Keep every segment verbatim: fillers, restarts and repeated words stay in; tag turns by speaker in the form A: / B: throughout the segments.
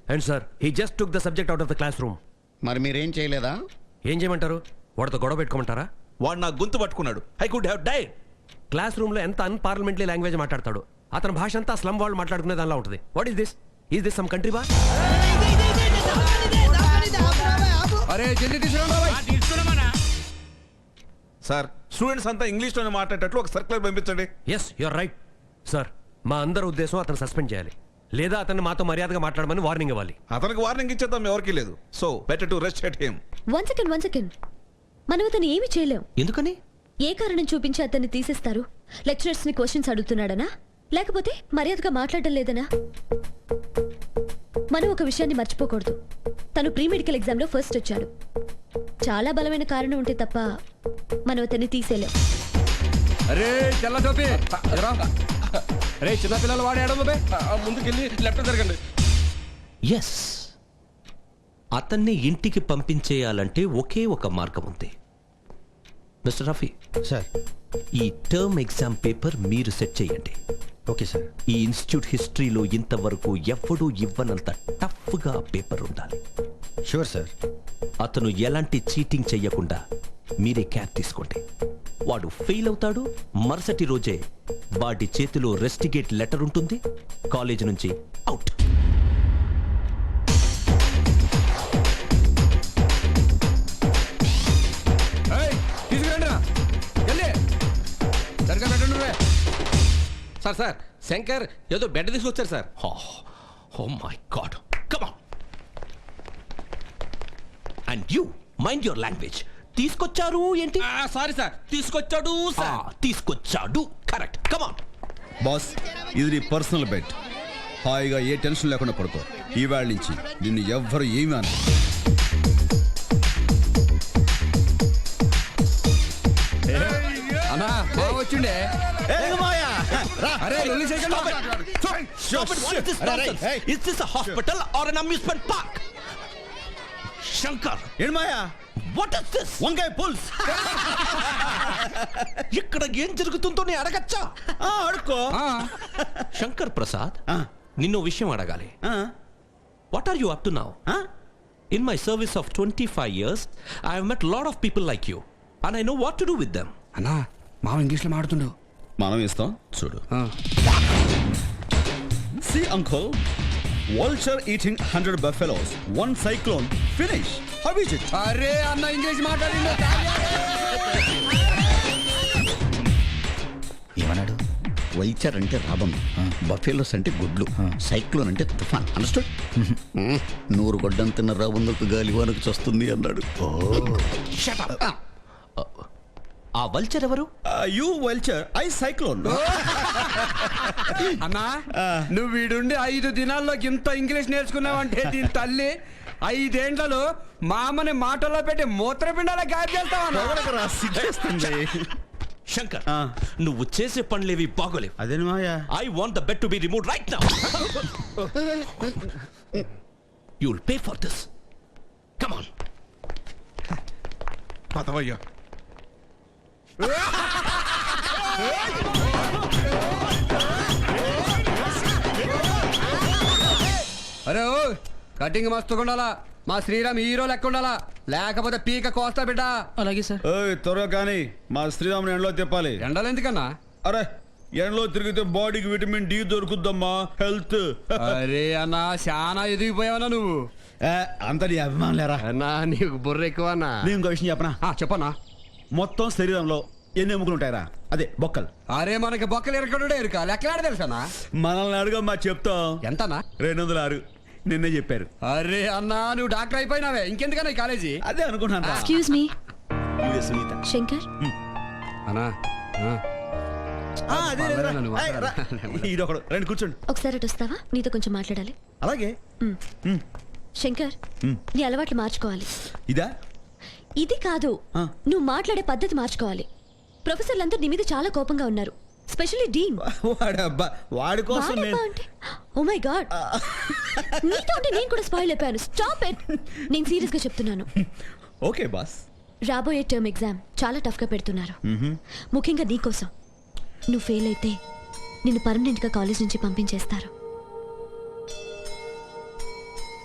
A: And sir he just took the subject out of the classroom.
B: మరి మీరేం చేయలేదా?
A: ఏం చేయమంటారు? వాడితో గొడవ పెట్టుకోమంటారా?
C: వాడు నా గొంతు పట్టుకున్నాడు. I could have died.
A: Classroom లో ఎంత అన్పార్లమెంటరీ లాంగ్వేజ్ మాట్లాడతాడు. అతని భాష అంతా స్లమ్ వాళ్ళు మాట్లాడుకునే దానిలో ఉంటుంది. What is this? Is this some country boy?
D: అరే జల్దీ తీసుకురా.
C: సార్ స్టూడెంట్స్ అంతా ఇంగ్లీష్ లోనే మాట్లాడేటట్లు ఒక సర్క్యులర్ పంపించండి.
A: Yes your right sir. మా అందరి ఉద్దేశం అతను సస్పెండ్ చేయాలి, లేదా అతన్ని మాతో మర్యాదగా మాట్లాడమని వార్నింగ్ ఇవ్వాలి.
C: అతనికి వార్నింగ్ ఇచ్చేద్దాం ఎవరికి లేదు. So better to rest at him.
E: One second one second మనం అతను ఏమి చేయలేం.
A: ఎందుకని?
E: ఏ కారణం చూపించి అతన్ని తీసేస్తారు? లెక్చరర్స్ ని క్వశ్చన్స్ అడుగుతున్నాడనా, లేకపోతే మర్యాదగా మాట్లాడటం లేదనా? మనం ఒక విషయాన్ని మర్చిపోకూడదు. తను ప్రీ మెడికల్ ఎగ్జామ్ లో ఫస్ట్ వచ్చాడు. చాలా బలమైన కారణం ఉంటే తప్ప మనం అతన్ని తీసేలేం.
D: అరే తెల్ల టోపీ రే చిన్నపిల్లలు వాడే ఆడము బే. ముందుకెళ్ళి లెఫ్ట్ జరగండి.
F: ఎస్, అతన్ని ఇంటికి పంపించేయాలంటే ఒకే ఒక మార్గం ఉంది. మిస్టర్ రఫీ
B: సార్,
F: ఈ టర్మ్ ఎగ్జామ్ పేపర్ మీరు సెట్ చేయండి.
B: Okay sir.
F: ఈ ఇన్స్టిట్యూట్ హిస్టరీలో ఇంతవరకు ఎవ్వడూ ఇవ్వనంత టఫ్గా పేపర్ ఉండాలి.
B: Sure sir.
F: అతను ఎలాంటి చీటింగ్ చెయ్యకుండా మీరే క్యాప్ తీసుకోండి. వాడు ఫెయిల్ అవుతాడు. మరుసటి రోజే వాడి చేతిలో రెస్టిగేట్ లెటర్ ఉంటుంది. కాలేజ్ నుంచి అవుట్.
D: తీసుకురండి రా. వెళ్ళి సరిగ్గా పెట్టండి. సార్ సార్ శంకర్ ఏదో బెడ్ తీసుకొచ్చారు sir.
F: Oh my god, come on. And you mind your language. తీసుకొచ్చారు ఏంటి?
D: సారీ సార్, తీసుకొచ్చాడు సార్.
F: తీసుకొచ్చాడు కరెక్ట్. కమ్ ఆన్
G: బాస్, ఇది నీ పర్సనల్ బెడ్. హాయిగా ఏ టెన్షన్ లేకుండా పడుకో. ఈవేళ నుంచి నిన్ను ఎవ్వరు ఏమీ అన.
D: అన్నా బాగా వచ్చిండే. అరే లొల్లి చేయకండి.
F: Is this a hospital or an amusement park? Shankar,
G: ఏం మాయా?
F: what is this?
G: వంకాయ పుల్స్.
F: ఇక్కడ ఏం జరుగుతుందో నేను అడగచ్చా?
G: అడుకో.
F: శంకర్ ప్రసాద్, నిన్ను విషయం అడగాలి. What are you up to now? In my service of twenty-five years, I have met a lot of people like you, and I know what to do with them.
D: అన్నా మావ ఇంగ్లీష్లో మాడుతుండు.
G: మనం ఇస్తాం చూడు. See uncle, vulture eating one hundred buffaloes, one cyclone, finish. How is it?
D: అరే అన్న English మాట్లాడిండు.
B: ఏమన్నాడు? వైచర్ అంటే రాబం, బఫెలోస్ అంటే గుడ్లు, సైక్లోన్ అంటే తుఫాన్. అండర్స్టూడ్? నూరు గొడ్డం తిన్న రాబందుకు గాలివానకు చస్తుంది అన్నాడు.
F: Shut up. ఆ వల్చర్ ఎవరు?
G: You vulture, I cyclone.
D: అన్నా నువ్వు వీడుండి ఐదు దినాల్లో ఇంత ఇంగ్లీష్ నేర్చుకున్నావంటే దీని తల్లి ఐదేండ్లలో మామని మాటల్లో పెట్టి మూత్రపిండాల గాయ చేస్తావా?
F: శంకర్, నువ్వు చేసే పనులేవి బాగోలేవు.
G: అదేని మాయా?
F: I want the bed to be removed right now. You will pay for this. Come on.
C: పదవయ్యా.
D: అరే ఓ కటింగ్ మస్తుగా ఉండాలా. మా శ్రీరామ్ హీరో లెక్క ఉండాలా, లేకపోతే పీక కోస్తా బిడ్డ.
F: అలాగే సార్.
G: త్వరగా కానీ మా శ్రీరాముని ఎండలో తిప్పాలి.
D: ఎండలు ఎందుకన్నా?
G: అరే ఎండలో తిరిగితే బాడీకి విటమిన్ డి దొరుకుద్దమ్మా. హెల్త్.
D: అరే అన్నా చాలా ఎదిగిపోయావన్నా నువ్వు.
G: అంత నీ అభిమానం లేరా?
D: అన్నా నీకు బుర్ర ఎక్కువ అన్నా.
G: నేను ఇంకో విషయం చెప్పనా?
D: చెప్పన్నా.
G: మొత్తం శరీరంలో ఎన్ని ఎముకలు ఉంటాయరా? అదే బొక్కలు.
D: అరే మనకి బొక్కలు ఎరకడుడే ఎరుక లెక్కలాడ తెలుసా?
G: మనల్ని అడుగమ్మా చెప్తాం.
D: ఎంతనా?
G: రెండు వందల ఆరు నిన్నే చెప్పారు.
D: అరే అన్నా నువ్వు డాక్టర్ అయిపోయినావే, ఇంకెందుకన్నా ఈ కాలేజీ?
G: అదే అనుకుంటున్నా.
E: Excuse me Shankar.
D: అన్నా
G: రండి కూర్చోండి.
E: ఒకసారి అటు వస్తావా? నీతో కొంచెం మాట్లాడాలి.
G: అలాగే.
E: శంకర్, నీ అలవాట్లు మార్చుకోవాలి.
G: ఇదా?
E: ఇది కాదు, నువ్వు మాట్లాడే పద్ధతి మార్చుకోవాలి. ప్రొఫెసర్లంతా నీ మీద చాలా కోపంగా ఉన్నారు, స్పెషల్లీ డీన్.
G: వాడబ్బా, వాడి కోసం
E: అంటే ఓ మై గాడ్, నీతో అంటే నేను కూడా స్పాయిల్ అయిపోయాను. Stop it. నేను సీరియస్ గా చెప్తున్నాను.
G: Okay boss.
E: రాబోయే టర్మ్ ఎగ్జామ్ చాలా టఫ్ గా పెడుతున్నారు, ముఖ్యంగా నీకోసం. నువ్వు ఫెయిల్ అయితే నిన్ను పర్మనెంట్ గా కాలేజ్ నుంచి పంపించేస్తారు.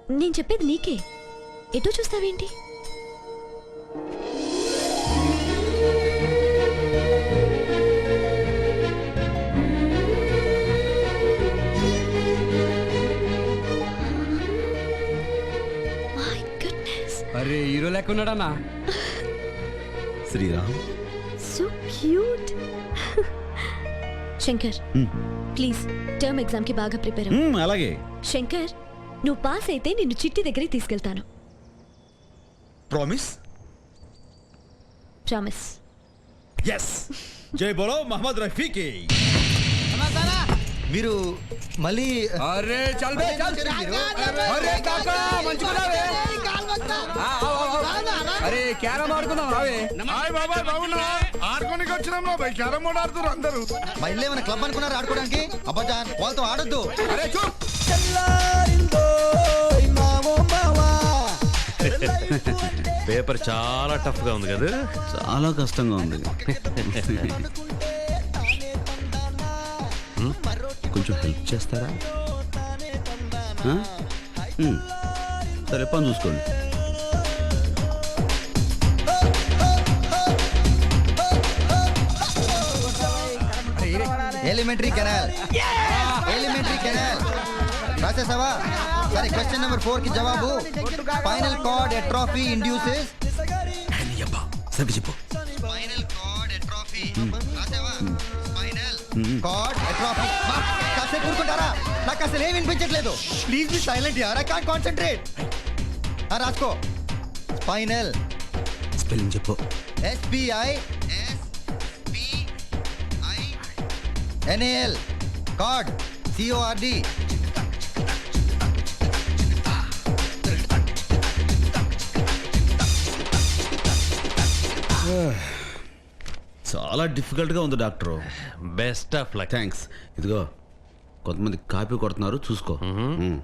E: నేను చెప్పేది నీకే. ఎటో చూస్తావేంటి? My goodness.
D: అరే హీరో లెక్క ఉన్నాడన్నా.
G: Sriram
E: So cute. Shankar please term exam కి బాగా ప్రిపేర్ అవ్వు.
G: మ్మ్, అలాగే
E: శంకర్ నువ్వు పాస్ అయితే నిన్ను చిట్టి దగ్గరికి తీసుకెళ్తాను.
G: ప్రామిస్.
E: ప్రామిస్.
G: ఎస్. జై బోలో మహమ్మద్ రఫీకి.
H: మీరు మళ్ళీ
D: అరే చల్ బే చల్. అరే కాకా మంచిగున్నావే. ఆ, ఆ, ఆ, ఆ. అరే క్యారమ్ ఆడుకుందాం రావే.
C: హాయ్ బాబాయ్ బాగున్నా ఆడుకోనికి వచ్చినాం బాబాయ్ క్యారమ్ బోర్డ్ ఆడుతున్నారు అందరూ.
H: మా ఇల్లు ఏమైనా క్లబ్ అనుకున్నారు ఆడుకోవడానికి? అబ్బాజాన్ వాళ్ళతో ఆడొద్దు.
D: అరే చూప్.
A: పేపర్ చాలా టఫ్ గా ఉంది కదా.
G: చాలా కష్టంగా ఉంది. కొంచెం హెల్ప్ చేస్తారా? ఆ? మ్మ్. సరే పని చూసుకోండి.
H: ఎలిమెంటరీ కెనాల్ ఎలిమెంటరీ కెనాల్ రాసేసావా? సరే క్వశ్చన్ నెంబర్ ఫోర్ కి జవాబు spinal cord atrophy induces. Spinal cord atrophy రాసావా? Spinal cord atrophy. కాసేపు కూర్చుంటారా? నాకు అసలు ఏం వినిపించట్లేదు. ప్లీజ్ బి సైలెంట్ యార్, ఐ కాంట్ కాన్సంట్రేట్. రాసుకో స్పైనల్
G: స్పెల్లింగ్ చెప్పు.
H: SPI NAL cord CORD.
G: చాలా డిఫికల్ట్ గా ఉంది doctor.
A: Best of luck.
G: Thanks. ఇదిగో కొంతమంది కాపీ కొడుతున్నారు చూసుకో. Hmm.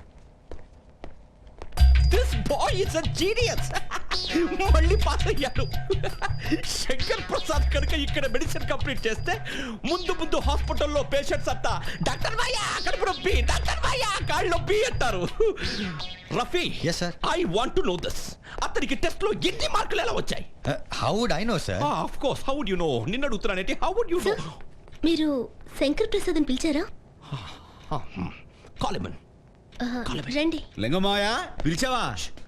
F: This boy is a genius. మళ్ళీ పాస్ అయ్యాడు. శంకర్ ప్రసాద్ కనుక ఇక్కడ మెడిసిన్ కంప్లీట్ చేస్తే ముందు ముందు హాస్పిటల్లో పేషెంట్స్ అంతా డాక్టర్ భయ్యా కడుపు నొప్పి, డాక్టర్ భయ్యా కాళ్ళు నొప్పి అంటారు. Rafi,
H: Yes, sir.
F: I want to know this. అతనికి టెస్ట్ లో ఎన్ని మార్కులు ఎలా వచ్చాయి?
H: How would I know sir?
F: Of course how would you know? నిన్న అడుగుతున్నానేంటి, how would you know?
E: Sir మీరు శంకర్ ప్రసాద్ అని పిలిచారా?
F: కాలిమన్.
E: ఆహా, రండి.
G: లింగమాయ పిలిచావా?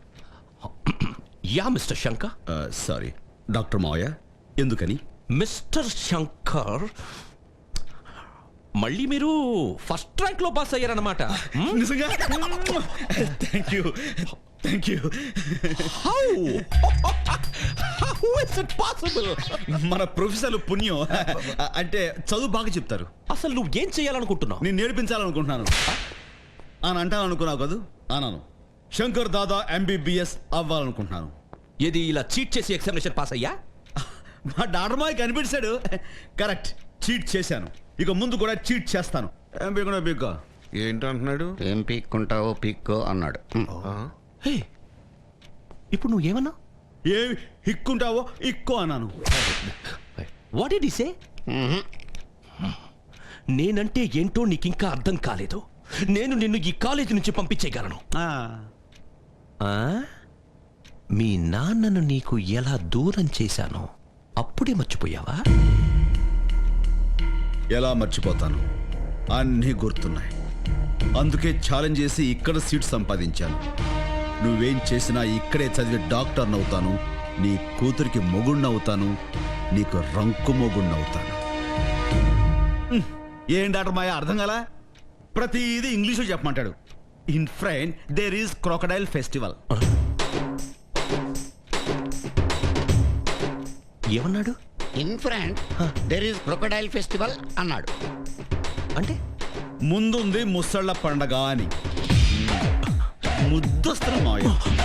F: Yeah mister Shankar.
G: Sorry doctor మావయ్య. ఎందుకని?
F: మిస్టర్ శంకర్, మళ్ళీ మీరు ఫస్ట్ ర్యాంక్ లో పాస్ అయ్యారన్నమాట.
G: నిజంగా? Thank you thank you.
F: How how is it possible?
G: మన ప్రొఫెసర్లు పుణ్యం. అంటే చదువు బాగా చెప్తారు.
F: అసలు నువ్వు ఏం చేయాలనుకుంటున్నావు?
G: నేను నేర్పించాలనుకుంటున్నాను అని అంటాను అనుకున్నావు కదూ? అన్నాను. శంకర్ దాదా ఎంబీబీఎస్ అవ్వాలనుకుంటున్నాను.
F: ఏది ఇలా చీట్ చేసి ఎగ్జామినేషన్ పాస్ అయ్యా?
G: మా డాక్టర్ మాయ కనిపించాడు. కరెక్ట్, చీట్ చేశాను. ఇక ముందు కూడా చీట్ చేస్తాను. ఏం పీకున్నా పీక్కో.
C: ఏంటంటున్నాడు?
B: ఏం పీక్కుంటావో పీక్కో అన్నాడు.
F: హే, ఇప్పుడు నువ్వు ఏమన్నా?
G: ఏం ఇక్కుంటావో ఇక్కో అన్నాను.
F: What did he say? నేనంటే ఏంటో నీకింకా అర్థం కాలేదు. నేను నిన్ను ఈ కాలేజీ నుంచి పంపించేయగలను.
G: ఆ,
F: ఆ? మీ నాన్నను నీకు ఎలా దూరం చేశానో అప్పుడే మర్చిపోయావా?
G: ఎలా మర్చిపోతాను? అన్నీ గుర్తున్నాయి. అందుకే ఛాలెంజ్ చేసి ఇక్కడ సీట్ సంపాదించాను. నువ్వేం చేసినా ఇక్కడే చదివి డాక్టర్ని అవుతాను. నీ కూతురికి మొగుణ్ణవుతాను. నీకు రంకు మొగుణ్ణవుతాను. హ్మ్. ఏం డాక్టర్ మాయ అర్థం కాలా? ప్రతిదీ ఇంగ్లీషులో చెప్పమంటాడు. In France there is crocodile festival.
F: ఏమన్నాడు?
B: In France there is crocodile festival అన్నాడు.
F: అంటే
G: ముందుంది ముసళ్ళ పండగ అని. ముద్దొస్తున్న మాయ.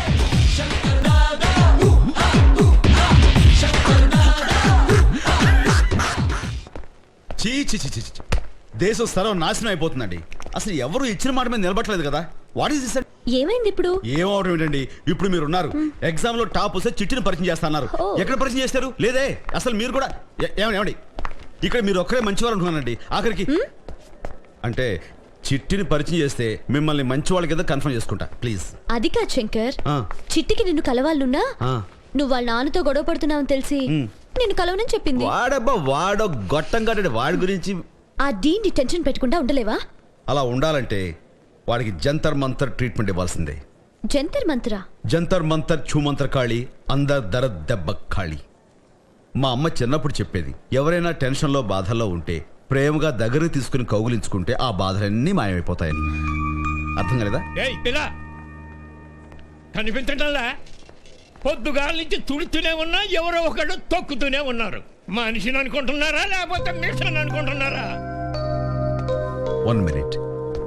G: చీ చీ చీ చీ చీ. దేశం సర్వం నాశనం అయిపోతుందండి. అసలు ఎవరు ఇచ్చిన మాట మీద నిలబట్టలేదు కదా. What is this?
E: ఏమైంది ఇప్పుడు?
G: ఏమవడం ఏంటండి? ఇప్పుడు మీరు ఉన్నారు, ఎగ్జామ్ లో టాప్ వస్తే చిట్టిని పరిచయం చేస్తున్నారు.
E: ఓ.
G: ఎక్కడ పరిచయం చేస్తారు? లేదే. అసలు మీరు కూడా ఏ- ఏమండి ఏమండి ఇక్కడ మీరు ఒక్కరే మంచివారు అనుకున్నానండి. ఆఖరికి అంటే చిట్టిని పరిచయం చేస్తే మిమ్మల్ని మంచి వాళ్ళ కింద కన్ఫర్మ్ చేసుకుంటా ప్లీజ్.
E: అది కాదు శంకర్,
G: ఆ.
E: చిట్టికి నిన్ను కలవాలనున్నా
G: ఆ.
E: నువ్వు వాళ్ళ నాన్నతో గొడవ పడుతున్నావని తెలిసి నిన్ను కలవనని చెప్పింది.
G: వాడబ్బా వాడో గొట్టం కట్టాడు. వాడి గురించి
E: ఆ డీన్ని టెన్షన్ పెట్టకుండా ఉండలేవా?
G: అలా ఉండాలంటే వాడికి జంతర్ మంతర్ ట్రీట్మెంట్ ఇవ్వాల్సిందే.
E: జంతర్ మంత్రా?
G: జంతర్ మంతర్ ఛూమంతర్ ఖాళీ అందర్ దర దెబ్బ ఖాళీ. మా అమ్మ చిన్నప్పుడు చెప్పేది, ఎవరైనా టెన్షన్లో బాధల్లో ఉంటే ప్రేమగా దగ్గరకు తీసుకుని కౌగులించుకుంటే ఆ బాధలన్నీ మాయమైపోతాయని. అర్థం కాలేదా?
I: ఏయ్ పిల్ల, కనిపించటంలా? పొద్దుగాల నుంచి తుడుతూనే ఉన్నా ఎవరో ఒకడు తొక్కుతూనే ఉన్నారు. మనిషిని అనుకుంటున్నారా లేకపోతే మిషన్ అనుకుంటున్నారా?
G: One minute.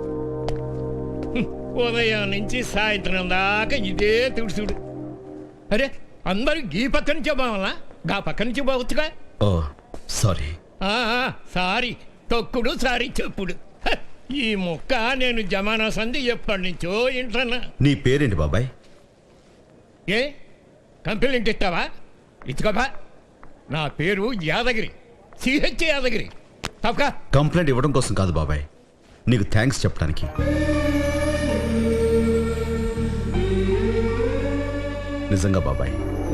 I: ఉదయం నుంచి సాయంత్రం దాకా ఇదే తుడుచుడు. అరే అందరూ ఈ పక్క నుంచే బావాలా, గా పక్క నుంచి బావచ్చుగా.
G: ఓ సారీ.
I: ఆ, ఆ, సారీ తొక్కుడు సారీ చెప్పుడు. హ, ఈ ముక్క నేను జమానా సంధి ఎప్పటి నుంచో ఇంటన్నా.
G: నీ పేరేంటి బాబాయ్?
I: ఏ కంప్లైంట్ ఇస్తావా? ఇచ్చుకోబా. నా పేరు యాదగిరి, సిహెచ్ యాదగిరి. తప్పక
G: కంప్లైంట్ ఇవ్వడం కోసం కాదు బాబాయ్, నీకు థ్యాంక్స్ చెప్పడానికి. నిజంగా బాబాయ్.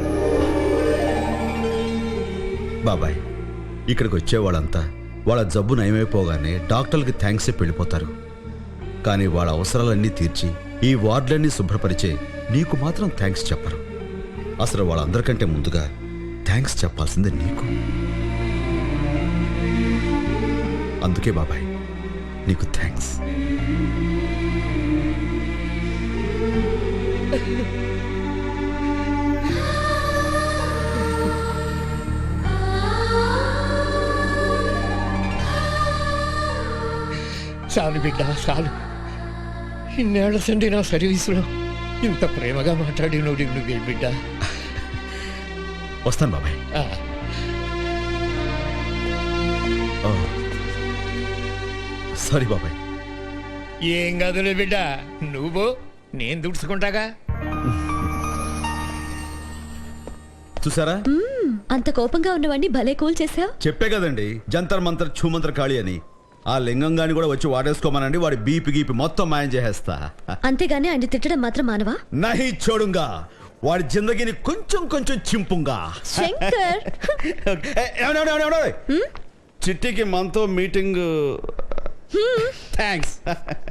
G: బాబాయ్, ఇక్కడికి వచ్చేవాళ్ళంతా వాళ్ళ జబ్బు నయమైపోగానే డాక్టర్లకి థ్యాంక్స్ చెప్పి వెళ్ళిపోతారు. కానీ వాళ్ళ అవసరాలన్నీ తీర్చి ఈ వార్డులన్నీ శుభ్రపరిచే నీకు మాత్రం థ్యాంక్స్ చెప్పరు. అసలు వాళ్ళందరికంటే ముందుగా థ్యాంక్స్ చెప్పాల్సిందే నీకు. అందుకే బాబాయ్ నీకు థ్యాంక్స్.
I: చాలు బిడ్డ చాలు. ఇన్నేళ్ల సండి నా సర్వీసులో ఇంత ప్రేమగా మాట్లాడి నువ్వు నువ్వే బిడ్డ.
G: వస్తాను బాబాయ్.
I: ఆ,
G: సారీ బాబాయ్.
I: ఏం కాదులే బిడ్డ, నువ్వు నేను దుడుచుకుంటాగా.
G: చూసారా,
E: అంత కోపంగా ఉన్నవాడిని భలే కూల్ చేసావు.
G: చెప్పే కదండి జంతర్ మంతర్ ఛూమంతర్ ఖాళీ అని. ఆ లింగంగాని కూడా వచ్చి వాడేసుకోమనండి, వాడి బీపీ గీపి మొత్తం మాయం చేసేస్తా.
E: అంతేగాని ఆయన తిట్టడం మాత్రం మానవా?
G: నహి చూడుంగా, వాడి జిందగీని కొంచెం కొంచెం చింపుంగా.
E: శంకర్
G: ఏ, ఏమండి, ఏమండి, ఏమండి, ఏమండి? చిట్టికి మనతో మీటింగ్. థ్యాంక్స్.